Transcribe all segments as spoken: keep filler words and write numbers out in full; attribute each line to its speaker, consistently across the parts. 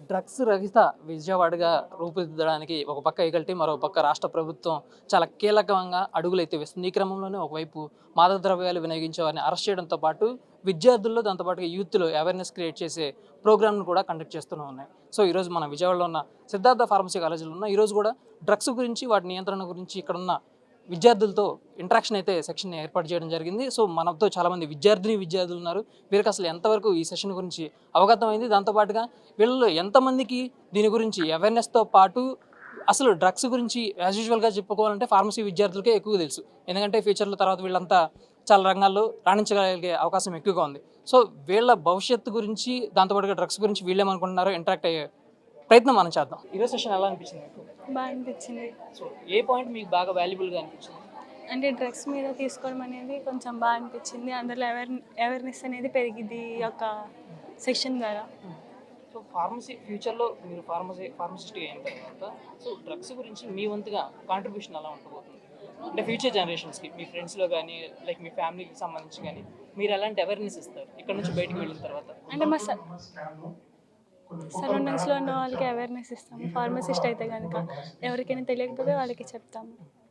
Speaker 1: Drugs రహిత విజయవాడగా రూపుదిద్దడానికి ఒక పక్క ఎగల్టీ మరో పక్క రాష్ట్ర ప్రభుత్వం చాలా కీలకంగా అడుగులైతే వేస్తుంది. ఈ క్రమంలోనే ఒకవైపు మాదక ద్రవ్యాలు వినియోగించే వారిని అరెస్ట్ చేయడంతో పాటు విద్యార్థుల్లో దాంతోపాటు యూత్లో అవేర్నెస్ క్రియేట్ చేసే ప్రోగ్రామ్ను కూడా కండక్ట్ చేస్తూనే ఉన్నాయి. సో ఈరోజు మన విజయవాడలో ఉన్న సిద్ధార్థ ఫార్మసీ కాలేజీలో ఉన్న ఈరోజు కూడా డ్రగ్స్ గురించి వాటి నియంత్రణ గురించి ఇక్కడ ఉన్న విద్యార్థులతో ఇంట్రాక్షన్ అయితే సెక్షన్ ఏర్పాటు చేయడం జరిగింది. సో మనతో చాలామంది విద్యార్థిని విద్యార్థులు ఉన్నారు. వీరికి అసలు ఎంతవరకు ఈ సెషన్ గురించి అవగతమైంది, దాంతోపాటుగా వీళ్ళలో ఎంతమందికి దీని గురించి అవేర్నెస్తో పాటు అసలు డ్రగ్స్ గురించి యాజ్ యూజువల్గా చెప్పుకోవాలంటే ఫార్మసీ విద్యార్థులకే ఎక్కువ తెలుసు. ఎందుకంటే ఫ్యూచర్లో తర్వాత వీళ్ళంతా చాలా రంగాల్లో రాణించగలిగే అవకాశం ఎక్కువగా ఉంది. సో వీళ్ళ భవిష్యత్తు గురించి దాంతోపాటుగా డ్రగ్స్ గురించి వీళ్ళేమనుకుంటున్నారో ఇంటరాక్ట్ అయ్యే ప్రయత్నం మనం చేద్దాం. ఈరోజు సెషన్ ఎలా అనిపించింది మీకు?
Speaker 2: బాగా అనిపించింది.
Speaker 1: సో ఏ పాయింట్ మీకు బాగా వాల్యుబుల్గా అనిపించింది?
Speaker 2: అంటే డ్రగ్స్ మీద తీసుకోవడం అనేది కొంచెం బాగా అనిపించింది. అందులో అవేర్ అవేర్నెస్ అనేది పెరిగింది ఈ యొక్క సెక్షన్ ద్వారా.
Speaker 1: సో ఫార్మసీ ఫ్యూచర్లో మీరు ఫార్మసీ ఫార్మసిస్ట్ అయిన తర్వాత సో డ్రగ్స్ గురించి మీ వంతుగా కాంట్రిబ్యూషన్ ఎలా ఉండబోతుంది? అంటే ఫ్యూచర్ జనరేషన్స్కి మీ ఫ్రెండ్స్లో కానీ లైక్ మీ ఫ్యామిలీకి సంబంధించి కానీ మీరు ఎలాంటి అవేర్నెస్ ఇస్తారు ఇక్కడ నుంచి బయటకు వెళ్ళిన తర్వాత? అంటే మా
Speaker 2: సరౌండింగ్స్లో ఉన్న వాళ్ళకి అవేర్నెస్ ఇస్తాము. ఫార్మసిస్ట్ అయితే కనుక ఎవరికైనా తెలియకపోతే వాళ్ళకి చెప్తాము.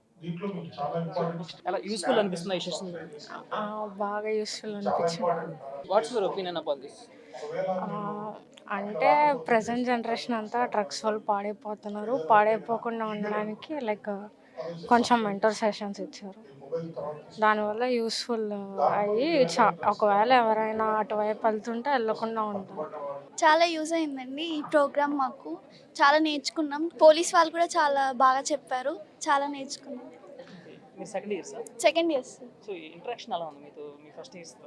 Speaker 1: అలా యూస్ఫుల్ అనిపిస్తుంది ఈ సెషన్?
Speaker 2: బాగా యూస్ఫుల్ అనిపించింది.
Speaker 1: What's your opinion about this?
Speaker 3: అంటే ప్రజెంట్ జనరేషన్ అంతా డ్రగ్స్ వాళ్ళు పాడైపోతున్నారు. పాడైపోకుండా ఉండడానికి లైక్ కొంచెం మెంటర్ సెషన్స్ ఇచ్చారు. దానివల్ల యూస్ఫుల్ అయ్యి చా ఒకవేళ ఎవరైనా అటువైపు వెళ్తుంటే వెళ్ళకుండా ఉంటారు.
Speaker 4: చాలా యూజ్ అయిందండి ఈ ప్రోగ్రామ్. మాకు చాలా నేర్చుకున్నాం. పోలీస్ వాళ్ళు కూడా చాలా బాగా చెప్పారు. చాలా నేర్చుకున్నాం.
Speaker 1: మీరు second year sir?
Speaker 4: Second year sir.
Speaker 1: So interaction ఎలా ఉంది మీతో మీ ఫస్ట్ ఇయర్స్తో?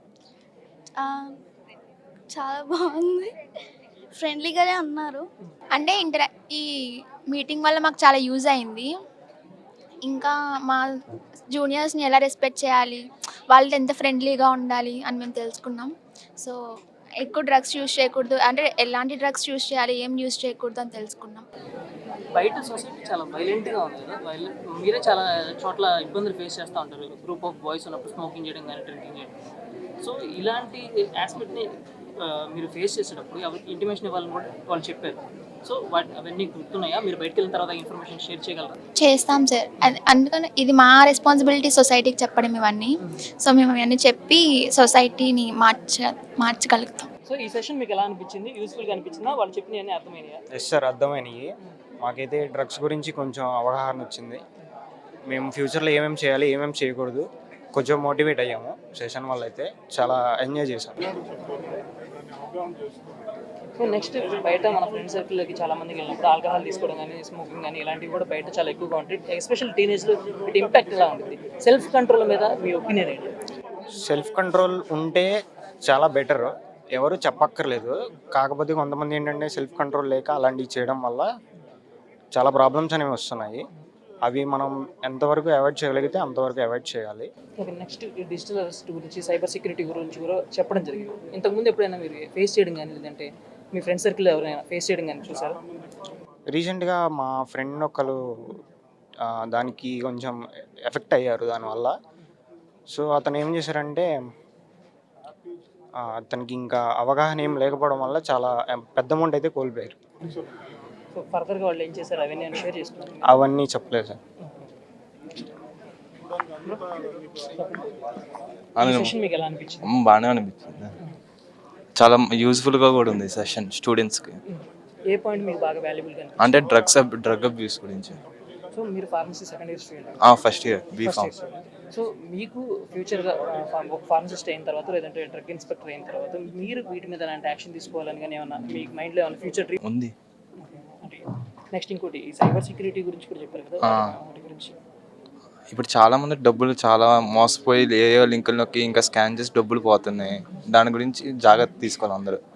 Speaker 4: చాలా బాగుంది. ఫ్రెండ్లీగానే ఉన్నారు.
Speaker 5: అంటే ఇంటరా ఈ మీటింగ్ వల్ల మాకు చాలా యూజ్ అయింది. ఇంకా మా జూనియర్స్ని ఎలా రెస్పెక్ట్ చేయాలి, వాళ్ళతో ఎంత ఫ్రెండ్లీగా ఉండాలి అని మేము తెలుసుకున్నాం. సో ఎక్కువ డ్రగ్స్ యూజ్ చేయకూడదు, అంటే ఎలాంటి డ్రగ్స్ యూజ్ చేయాలి, ఏం యూజ్ చేయకూడదు అని తెలుసుకున్నాం.
Speaker 1: బయట సొసైటీ చాలా వైలెంట్గా ఉంది కదా, వైలెంట్ మీరే చాలా చోట్ల ఇబ్బందులు ఫేస్ చేస్తూ ఉంటారు. గ్రూప్ ఆఫ్ బాయ్స్ ఉన్నప్పుడు స్మోకింగ్ చేయడం కానీ డ్రింకింగ్ చేయడం. సో ఇలాంటి ఆస్పెక్ట్ని మీరు ఫేస్ చేసేటప్పుడు ఎవరికి ఇంటిమేషన్ ఇవ్వాలని కూడా వాళ్ళు చెప్పారు. సో వాటి అవన్నీ గుర్తున్నాయా? మీరు బయటకు వెళ్ళిన తర్వాత ఇన్ఫర్మేషన్ షేర్ చేయగలరా?
Speaker 5: చేస్తాం సార్. అది అందుకని ఇది మా రెస్పాన్సిబిలిటీ సొసైటీకి చెప్పడం ఇవన్నీ. సో మేము ఇవన్నీ చెప్పి సొసైటీని మార్చ మార్చగలుగుతాం.
Speaker 1: సో ఈ సెషన్ మీకు ఎలా అనిపించింది? యూస్ఫుల్గా అనిపించిందా? వాళ్ళు చెప్పినవన్నీ అర్థమైనాయా?
Speaker 6: Yes sir, అర్థమైనవి. మాకైతే డ్రగ్స్ గురించి కొంచెం అవగాహన వచ్చింది. మేము ఫ్యూచర్లో ఏమేమి చేయాలి, ఏమేమి చేయకూడదు కొంచెం మోటివేట్ అయ్యాము సెషన్ వల్ల. అయితే చాలా ఎంజాయ్ చేశాము.
Speaker 1: సో నెక్స్ట్ బయట మన ఫ్రెండ్ సర్కిల్లోకి చాలా మందికి వెళ్ళినప్పుడు ఆల్కహాల్ తీసుకోవడం కానీ స్మోకింగ్ కానీ ఇలాంటివి కూడా బయట చాలా ఎక్కువగా ఉంటాయి. ఎస్పెషల్ టీనేజ్లో వీటి ఇంపాక్ట్ ఎలా ఉంటుంది? సెల్ఫ్ కంట్రోల్ మీద మీ ఒపీనియన్ ఏంటి?
Speaker 6: సెల్ఫ్ కంట్రోల్ ఉంటే చాలా బెటర్, ఎవరు చెప్పక్కర్లేదు. కాకపోతే కొంతమంది ఏంటంటే సెల్ఫ్ కంట్రోల్ లేక అలాంటివి చేయడం వల్ల చాలా ప్రాబ్లమ్స్ అనేవి వస్తున్నాయి. అవి మనం ఎంతవరకు అవాయిడ్ చేయగలిగితే అంతవరకు అవాయిడ్ చేయాలి.
Speaker 1: ఓకే, నెక్స్ట్ డిజిటల్ అరెస్ట్ గురించి, సైబర్ సెక్యూరిటీ గురించి కూడా చెప్పడం జరిగింది. ఇంతకుముందు ఎప్పుడైనా మీరు ఫేస్ చేయడం కానీ లేదంటే మీ ఫ్రెండ్ సర్కిల్ ఎవరైనా ఫేస్ చేయడం కానీ చూసారా?
Speaker 6: రీసెంట్గా మా ఫ్రెండ్ ఒకరు దానికి కొంచెం ఎఫెక్ట్ అయ్యారు దానివల్ల. సో అతను ఏం చేశారంటే అతనికి ఇంకా అవగాహన ఏం లేకపోవడం వల్ల చాలా పెద్ద అమౌంట్ అయితే కోల్పోయారు.
Speaker 1: సో ఫర్దర్గా వాళ్ళు ఏం చేశారు అవన్నీ షేర్ చేసుకున్నారు?
Speaker 6: అవన్నీ చెప్పలేదు సార్.
Speaker 1: మీకు ఎలా అనిపించింది?
Speaker 7: బాగానే అనిపించింది. చాలా యూస్ఫుల్గా కూడా ఉంది సెషన్ స్టూడెంట్స్కి.
Speaker 1: ఏ పాయింట్ మీకు బాగా వాల్యుబుల్గా?
Speaker 7: అంటే డ్రగ్స్ డ్రగ్ అబ్యూస్ గురించి.
Speaker 1: సో మీరు pharmacy second year student?
Speaker 7: First year B pharm.
Speaker 1: So మీకు ఫ్యూచర్గా ఫార్మసిస్ట్ అయిన తర్వాత లేదంటే డ్రగ్ ఇన్స్పెక్టర్ అయిన తర్వాత మీరు వీటి మీద ఎలాంటి యాక్షన్ తీసుకోవాలని కానీ ఏమన్నా మీకు మైండ్లో ఏమైనా ఫ్యూచర్ డ్రీమ్
Speaker 7: ఉంది?
Speaker 1: నెక్స్ట్ ఇంకోటి ఈ సైబర్ సెక్యూరిటీ గురించి కూడా చెప్పారు కదా, వాటి గురించి.
Speaker 7: ఇప్పుడు చాలా మంది డబ్బులు చాలా మోసపోయి ఏ లింకుల్లోకి ఇంకా స్కాన్ చేసి డబ్బులు పోతున్నాయి. దాని గురించి జాగ్రత్త తీసుకోవాలి అందరూ.